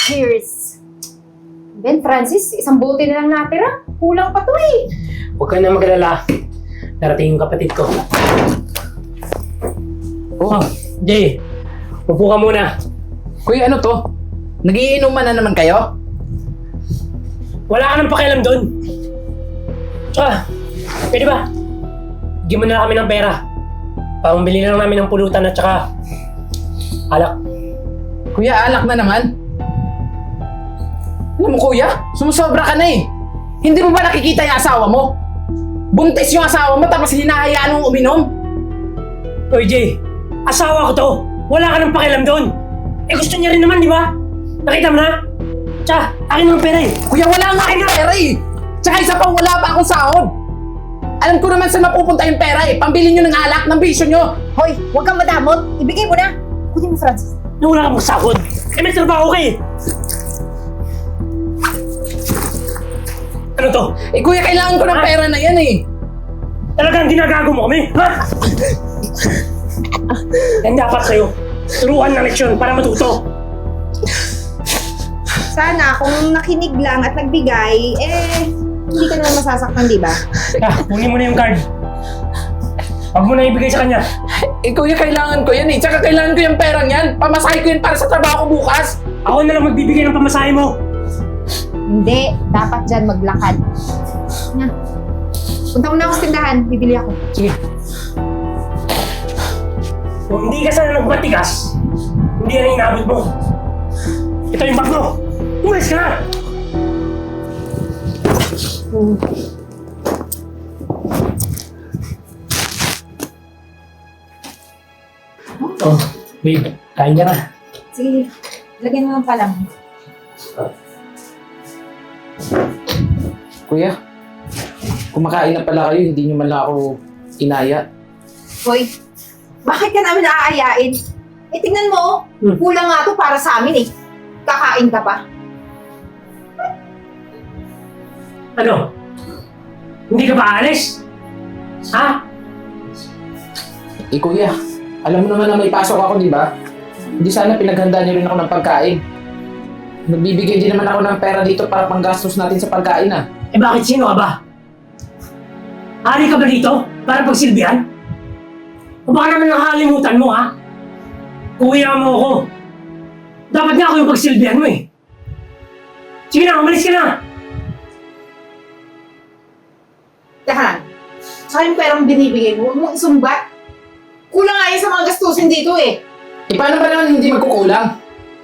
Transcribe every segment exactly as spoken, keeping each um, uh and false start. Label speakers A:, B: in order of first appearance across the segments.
A: Cheers! Ben, Francis, isang bote na lang natira. Kulang pa to eh.
B: Huwag ka na mag-alala. Darating yung kapatid ko. Oh, Jay. Upo ka muna.
C: Kuya, ano to? Nagiinuman na naman kayo?
B: Wala ka nang pakialam doon. Ah, pwede ba? Bigyan mo na lang kami ng pera. Pamabili lang namin ng pulutan at saka alak.
C: Kuya, alak na naman. Alam mo kuya, sumusobra ka na eh. Hindi mo ba nakikita yung asawa mo? Buntis yung asawa mo tapos hinahayaan mong uminom?
B: Oy, Jay. Asawa ko to. Wala ka nang pakialam doon. Eh gusto niya rin naman, di ba? Nakita mo na? Tsaka, akin ng pera eh.
C: Kuya, wala nga akong pera eh. Tsaka isa pa, wala pa akong sahod. Alam ko naman saan mapupunta yung pera eh. Pambili nyo ng alak, ng bisyo nyo.
A: Hoy, huwag kang madamot. Ibigay mo na. Kunin mo, Francis.
B: Na wala kang magsahod. Eh may trabaho ka eh. Ano to?
C: Eh kuya, kailangan ko ng
B: Ha?
C: pera na yan eh.
B: Talagang ginagago mo kami? Ha? Yan dapat sa'yo. Turuan ng leksyon para matuto.
D: Sana kung nakinig lang at nagbigay, eh, hindi ka naman masasaktan, di ba?
B: Ah, kunin mo na yung card. Huwag mo na ibigay sa kanya.
C: Eh kuya, kailangan ko yan eh. Tsaka kailangan ko yung perang yan. Pamasahe ko yan para sa trabaho ko bukas.
B: Ako na lang magbibigay ng pamasahe mo.
A: Hindi. Dapat dyan maglakad. Na. Punta mo na ako sa tindahan. Bibili ako.
B: Sige. Kung hindi ka sana nagmatigas, hindi yan ang inabot mo. Ito yung bag mo. Umalis ka na! Oh, babe. Kain ka na.
A: Sige. Lagyan mo ng palang.
C: Kuya, kumakain na pala kayo. Hindi nyo man lang ako inaya.
D: Hoy, bakit ka namin naaayain? Eh, tingnan mo,
B: Hmm.
D: kulang nga to para sa amin eh. Kakain ka pa.
B: Ano? Hindi ka ba alis? Ha?
C: Eh kuya, alam mo naman na may pasok ako, di ba? Hindi sana pinaghanda niyo rin ako ng pagkain. Nagbibigay din naman ako ng pera dito para panggastos natin sa pagkain ah.
B: Eh bakit sino ka ba? Hari ka ba dito? Para pagsilbihan? O baka naman nakakalimutan mo ha? Kuya mo ako. Dapat nga ako yung pagsilbihan mo eh. Sige na, umalis ka na!
D: Teka lang, saka yung perang binibigay mo, huwag mong isumbat. Kulang nga yun sa mga gastusin dito eh.
C: Eh paano ba naman hindi magkukulang?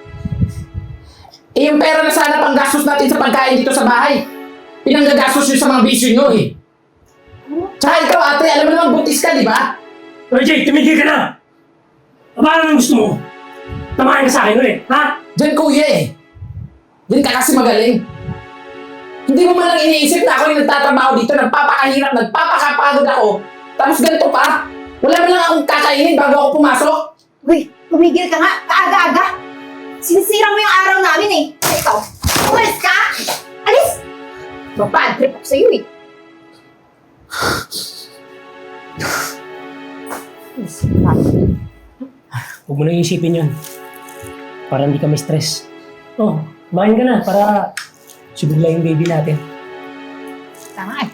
C: Eh yung pera na sana panggastos natin sa pagkain dito sa bahay. Pinanggagastos yun sa mga bisyo nyo eh. Tsaka ikaw ate, alam mo naman buntis ka, di ba?
B: Oy Jay, tumigil ka na! O baka naman gusto mo? Tamahan ka sa akin ulit, ha?
C: Diyan kuya eh. Diyan ka kasi magaling. Hindi mo man lang iniisip na ako yung nagtatrabaho dito, nagpapakahirap, nagpapakapagod ako. Tapos ganito pa, wala man lang akong kakainin bago ako pumasok.
D: Uy, tumigil ka nga, kaaga-aga. Sinisira mo yung araw namin eh. Ikaw, umalis ka! Alis! Mabad trip ako sa'yo eh.
B: Huwag mo nang isipin yun. Para hindi ka may stress. Oh, kumain ka na para subigla yung baby natin.
A: Tama eh.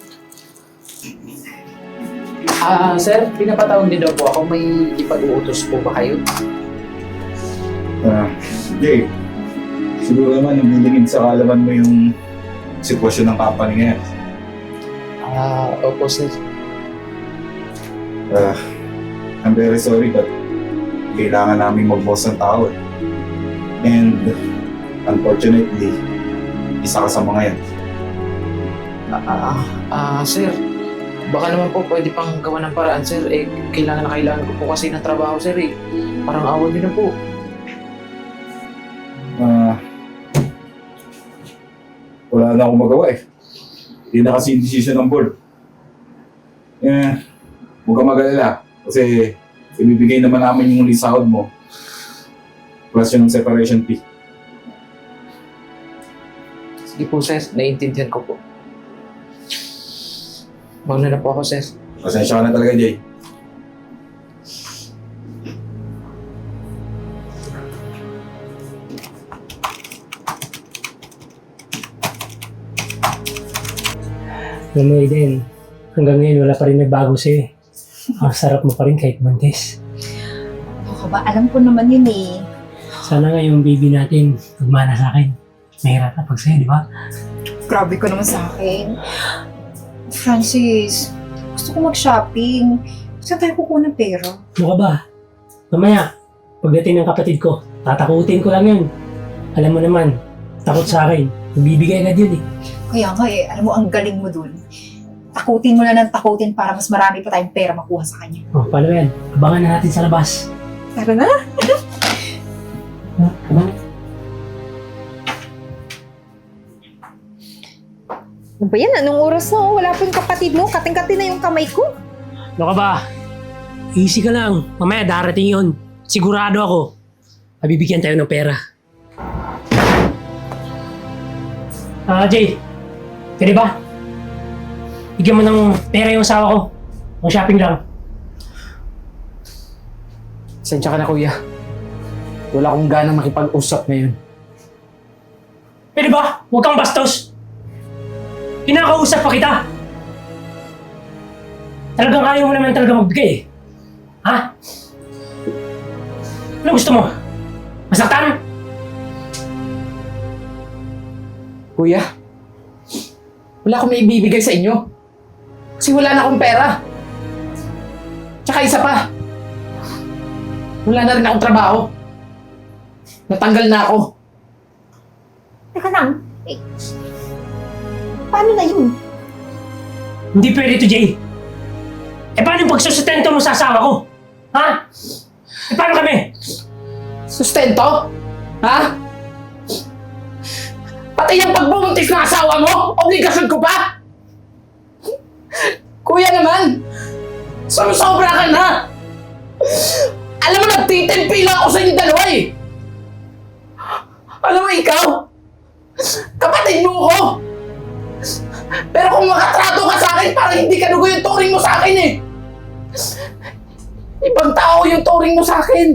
C: Ah, sir, pinapatawag din daw po ako. May ipag-uutos po ba kayo?
E: Ah, Jay, siguro naman nabulingin sa kaalaman mo yung sitwasyon ng company ngayon.
C: Ah, opo sir.
E: Ah, I'm very sorry but kailangan namin mag-boss ng tao eh. And unfortunately, isa ka sa mga yan.
C: Ah, ah, ah, sir. Baka naman po pwede pang gawa ng paraan, sir. Eh, kailangan na kailangan ko po kasi ng trabaho, sir eh. Parang awan niyo na po.
E: Ah, wala na akong magawa eh. Hindi na kasi yung decision ng board. Eh, huwag kang mag-alala. Kasi ibibigay naman namin yung sahod mo. Plus yung separation fee.
C: Sige po, sir. Naiintindihan ko po. Mauna na po ako, sir.
E: Pasensya ka na talaga, Jay.
B: Alam mo, Aiden, hanggang ngayon wala pa rin nagbago sa'yo eh. Ang sarap mo pa rin kahit buntis.
D: Ako ba? Alam ko naman yun eh.
B: Sana nga yung baby natin magmana sa akin. Mahirap na pag sa'yo, di ba?
D: Grabe ko naman sa akin. Francis, gusto ko mag-shopping. Saan tayo kukuha ng pera?
B: Ano ka ba? Mamaya, pagdating ng kapatid ko, tatakutin ko lang yun. Alam mo naman, takot sa akin. Bibigay agad yun eh.
D: Kaya nga eh, alam mo, ang galing mo dun. Takutin mo na ng takutin para mas marami pa tayong pera makuha sa kanya.
B: Oh, paano yan? Abangan na natin sa labas.
D: Tara na!
B: Ha? Abangan.
A: Ano ba yan? Anong oras na? Oh? Wala pa yung kapatid mo. Kating-kating na yung kamay ko.
B: Ano ka ba? Easy ka lang. Mamaya darating yun. Sigurado ako. Mabibigyan tayo ng pera. Ah, Jay. Pwede ba? Bigyan mo ng pera yung asawa ko. Ang shopping lang.
C: Sensya ka na, kuya. Wala akong ganang makipag-usap ngayon.
B: Pwede ba? Huwag kang bastos. Kinakausap pa kita. Talagang ayaw mo naman talaga magbigay eh. Ha? Ano gusto mo? Masaktan?
C: Kuya, wala akong may ibibigay sa inyo. Kasi wala na akong pera. Tsaka isa pa, wala na rin akong trabaho. Natanggal na ako.
D: Teka lang. Eh, paano na yun?
B: Hindi pwede to, Jay. Eh paano yung pagsusustento mo sa asawa ko? Ha? Eh paano kami?
C: Sustento? Ha? Pati yung pagbubuntis ng asawa mo, obligasyon ko pa? Kuya naman, sumusobra ka na. Alam mo, nagtitimpi lang ako sa inyo dalawa eh. Alam mo, ikaw, kapatid mo ko. Pero kung makatrato ka sa akin, parang hindi ka dugo yung turing mo sa akin eh. Ibang tao yung turing mo sa akin.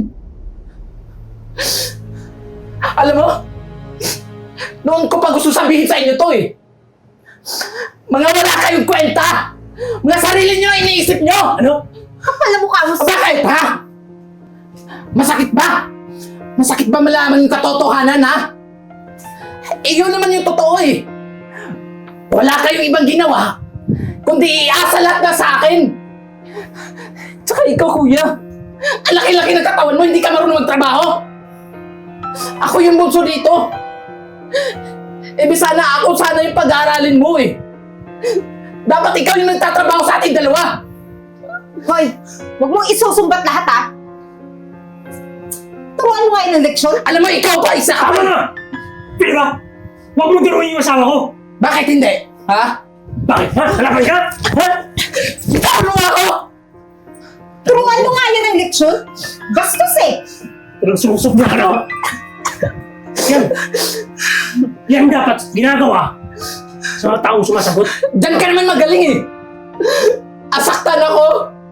C: Alam mo, noon ko pa gusto sabihin sa inyo to eh. Mga wala kayong kwenta. Mga sarili nyo ang iniisip nyo.
B: Ano?
D: Kapal na mukha mo sa...
C: Bakit ha? Masakit ba? Masakit ba malaman yung katotohanan ha? Eh yun naman yung totoo eh. Wala kayong ibang ginawa, kundi iasa lahat na sa akin. Tsaka ikaw, kuya, ang laki-laki ng katawan mo, hindi ka marunong magtrabaho. Ako yung bunso dito. Eh, sana ako sana yung pag-aaralin mo eh. Dapat ikaw yung nagtatrabaho sa ating dalawa.
D: Hoy, huwag mong isusumbat lahat ha. Turuan mo nga yun ng leksyon.
C: Alam mo, ikaw pa isa ka
B: Tama
C: pa.
B: na! Pwede ba? Huwag mo turuin yung asawa ko.
C: Bakit hindi? Ha?
B: Bakit? Ha? Halapan ka? Ha?
C: Ano ako?
D: Turuan mo nga yan ng leksyon. Bastos eh.
B: Pero sumusubra ka na. Yan. Yan dapat ginagawa sa mga taong sumasagot.
C: Diyan ka naman magaling eh. Asaktan ako.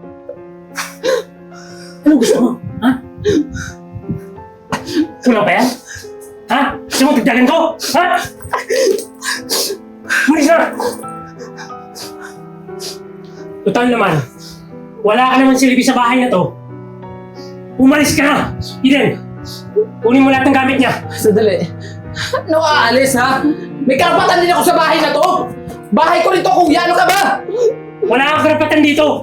B: Ano gusto mo? Ha? Kulang pa yan? Ha? Gusto mo tigdagan ko? Ha? Malis na! Total naman, wala ka naman silbi sa bahay na to. Umalis ka na! Eden, kunin mo lahat ng gamit niya.
C: Sadali. Ano aalis ha? May karapatan din ako sa bahay na to. Bahay ko rin to, kuya. Ano ka ba?
B: Wala kang karapatan dito.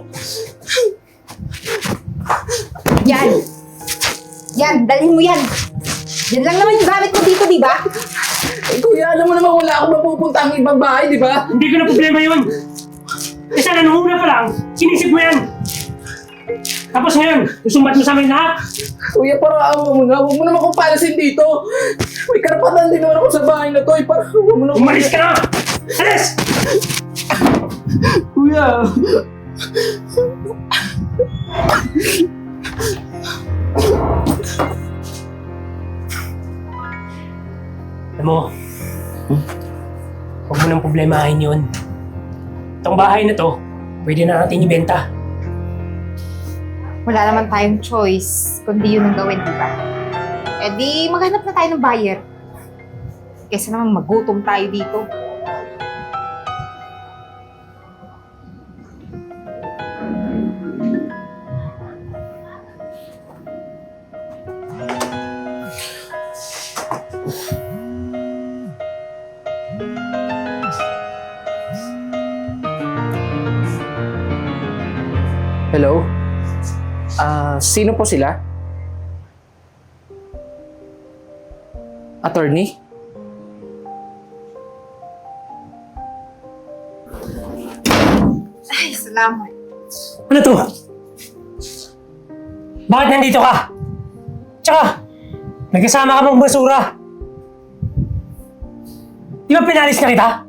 D: Yan. Yan, dalhin mo yan. Yan lang naman yung gamit mo dito, di ba?
C: Eh, kuya, alam mo naman wala akong mapupunta ang ibang bahay, di ba?
B: Hindi ko na problema yun. Eh sana nung una pa lang, sinisip mo yan. Tapos ngayon, susumbat mo sa amin lahat.
C: Kuya, para awa mo na. Huwag mo naman kong palasin dito. May karapatan din naman ako sa bahay na to. Eh, para huwag mo na.
B: Umalis ka na! Alis!
C: Kuya.
B: Alam mo, huwag mo nang problemahin yun. Itong bahay na to, pwede na natin ibenta.
A: Wala naman tayong choice kundi yun ang gawin, di ba? Eh di, maghanap na tayo ng buyer. Kesa naman magutom tayo dito.
C: Hello? Ah, sino po sila? Attorney?
A: Ay, salamat.
B: Ano to? Bakit nandito ka? Tsaka, nagkasama ka mong basura. Di ba pinalis na kita?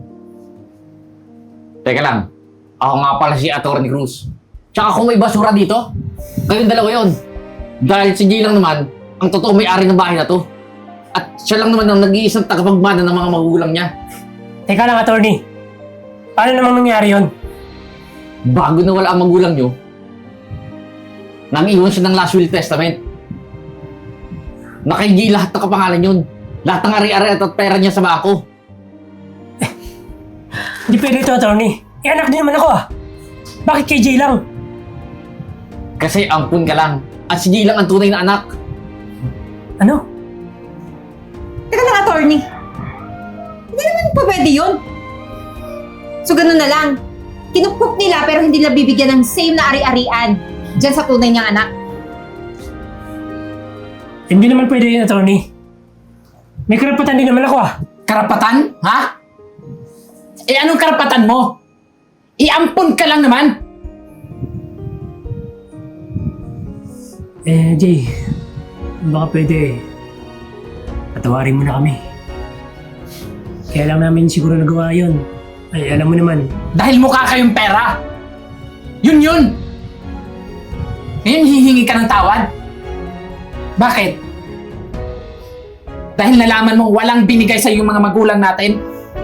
C: Teka lang. Ako nga pala si Atty. Cruz. Tsaka kung may basura dito, kayong dalawa yun. Dahil si Jay lang naman, ang totoo may-ari ng bahay na to. At siya lang naman ang nag-iisang tagapagmana ng mga magulang niya.
B: Teka lang, attorney. Paano namang nangyari yun?
C: Bago na wala ang magulang nyo, nang-iwan siya ng last will testament. Nakaigi lahat ng kapangalan yun. Lahat ng ari-ari at pera niya sa bako.
B: Hindi pwede ito, attorney. Eh, anak din naman ako ah. Bakit kay Jay lang?
C: Kasi ampun ka lang. At si Jay lang ang tunay na anak.
B: Ano?
D: Teka lang, attorney. Hindi naman pa pwede yun. So, ganun na lang. Kinupok nila pero hindi nila bibigyan ng same na ari-arian dyan sa tunay niyang anak.
B: Hindi naman pwede yun, attorney. May karapatan din naman ako ah.
C: Karapatan? Ha? Eh anong karapatan mo? Iampun ka lang naman.
B: Eh, Jay. Baka pwede. Patawarin mo na kami. Kaya lang namin siguro nagawa yun. Ay, alam mo naman.
C: Dahil mukha kayong pera. Yun yun. Ngayon hihingi ka ng tawad. Bakit? Dahil nalaman mo walang binigay sa yung mga magulang natin?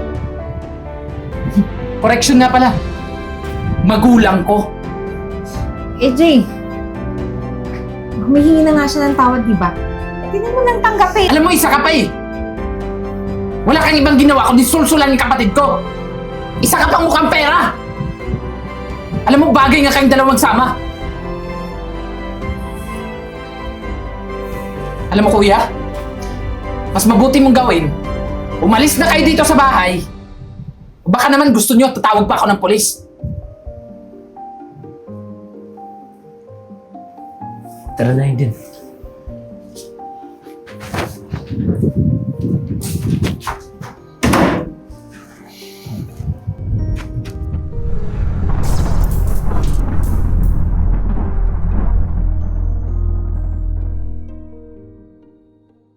C: Correction nga pala. Magulang ko.
D: Eh, Jay. Humihingi na nga siya ng tawad, di ba? Hindi mo nang tanggapin.
C: Alam mo, isa ka pa eh. Wala kang ibang ginawa kundi sulsulan yung kapatid ko. Isa ka pang mukhang pera. Alam mo, bagay nga kayong dalawang sama. Alam mo, kuya, mas mabuti mong gawin, umalis na kayo dito sa bahay. O baka naman gusto nyo, tatawag pa ako ng polis.
B: Tara na yun din.